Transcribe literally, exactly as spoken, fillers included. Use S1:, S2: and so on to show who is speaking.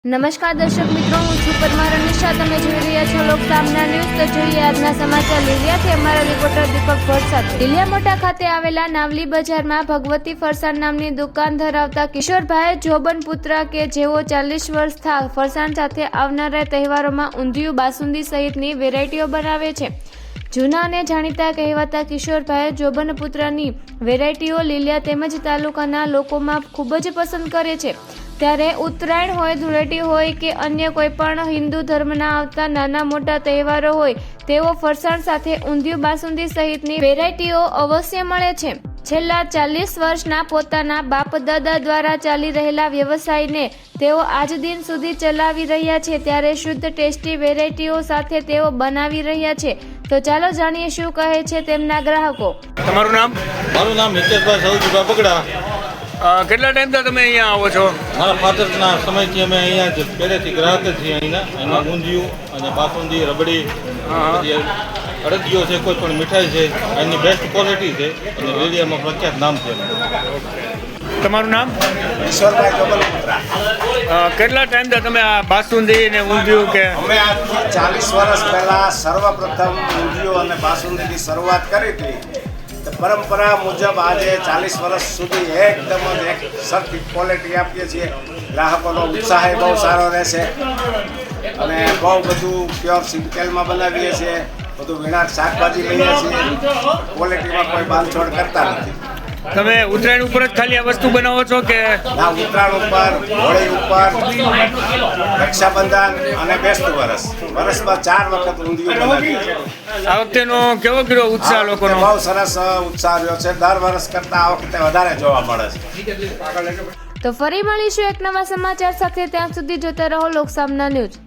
S1: નમસ્કાર દર્શક મિત્રો, હું છું પરમાર અનિશા. તમે જોઈ રહ્યા છો લોકસામના ન્યૂઝ. તો જોઈએ આજના સમાચાર લીલિયાથી અમારા રિપોર્ટર દીપક ભટ્ટ સાથે. લીલિયા મોટા ખાતે આવેલા નાવલી બજારમાં ભગવતી ફરસાણ નામની દુકાન ધરાવતા કિશોરભાઈ જોબનપુત્ર કે જેઓ ચાલીસ વર્ષ ફરસાણ સાથે આવનારા તહેવારોમાં ઊંધિયું, બાસુંદી સહિતની વેરાયટીઓ બનાવે છે. જૂના અને જાણીતા કહેવાતા કિશોરભાઈ જોબનપુત્રની વેરાયટીઓ લીલિયા તેમજ તાલુકાના લોકોમાં ખૂબ જ પસંદ કરે છે. ત્યારે ઉત્તરાયણ હોય, ધૂળેટી હોય કે અન્ય કોઈ પણ હિન્દુ ધર્મના આવતા નાના મોટા તહેવારો હોય, તેઓ ફરસાણ સાથે ઊંધિયું, બાસુંદી સહિતની વેરાયટીઓ અવશ્ય મળે છે. છેલ્લા ચાલીસ વર્ષના પોતાના બાપ દાદા દ્વારા ચાલી રહેલા વ્યવસાયને તેઓ આજ દિન સુધી ચલાવી રહ્યા છે. ત્યારે શુદ્ધ ટેસ્ટી વેરાયટીઓ સાથે તેઓ બનાવી રહ્યા છે. તો ચાલો જાણીએ શું કહે છે તેમના ગ્રાહકો.
S2: તમારું નામ?
S3: મારું નામ હિતેશભાઈ સૌજીભાઈ બગડા.
S2: કેટલા ટાઈમથી તમે અહીંયા આવો છો?
S3: મારા ફાધરના સમયથી અમે અહીંયા જ પહેલેથી ગ્રાહક જ છીએ. અહીંના એમાં ઊંધિયું અને બાસુંદી, રબડી, પછી અડદિયો છે, કોઈ પણ મીઠાઈ છે, એની બેસ્ટ ક્વોલિટી છે અને એરિયામાં પ્રખ્યાત નામ છે.
S2: તમારું નામ?
S4: કિશોરભાઈ જોબનપુત્ર.
S2: કેટલા ટાઈમથી તમે આ બાસુંદી ને ઊંધિયું કે?
S4: અમે આજથી ચાલીસ વર્ષ પહેલાં સર્વપ્રથમ ઊંધિયું અને બાસુંદીની શરૂઆત કરી હતી. તો પરંપરા મુજબ આજે ચાલીસ વર્ષ સુધી એકદમ જ એક સરખી ક્વોલિટી આપીએ છીએ. ગ્રાહકોનો ઉત્સાહ બહુ સારો રહેશે અને બહુ બધું પ્યોર સિંગતેલમાં બનાવીએ છીએ. બધું વીણાટ શાકભાજી લઈએ છીએ. ક્વોલિટીમાં કોઈ બાંધછોડ કરતા નથી.
S2: તમે ઉત્તરાયણ ઉપર જ ખાલી આ વસ્તુ બનાવો છો કે?
S4: ના, ઉત્તરાયણ ઉપર, હોળી ઉપર, રક્ષાબંધન અને બેસતું વરસ, વર્ષમાં ચાર વખત ઊંધિયું બનાવીએ છીએ.
S2: આ વખતેનો કેવો કર્યો ઉત્સાહ લોકોનો?
S4: બહુ સરસ ઉત્સાહ રહ્યો છે. દર વર્ષ કરતાં આ વખતે વધારે જોવા મળે છે.
S1: તો ફરી મળીશું એક નવા સમાચાર સાથે. ત્યાં સુધી જોતા રહો લોકસામના ન્યૂઝ.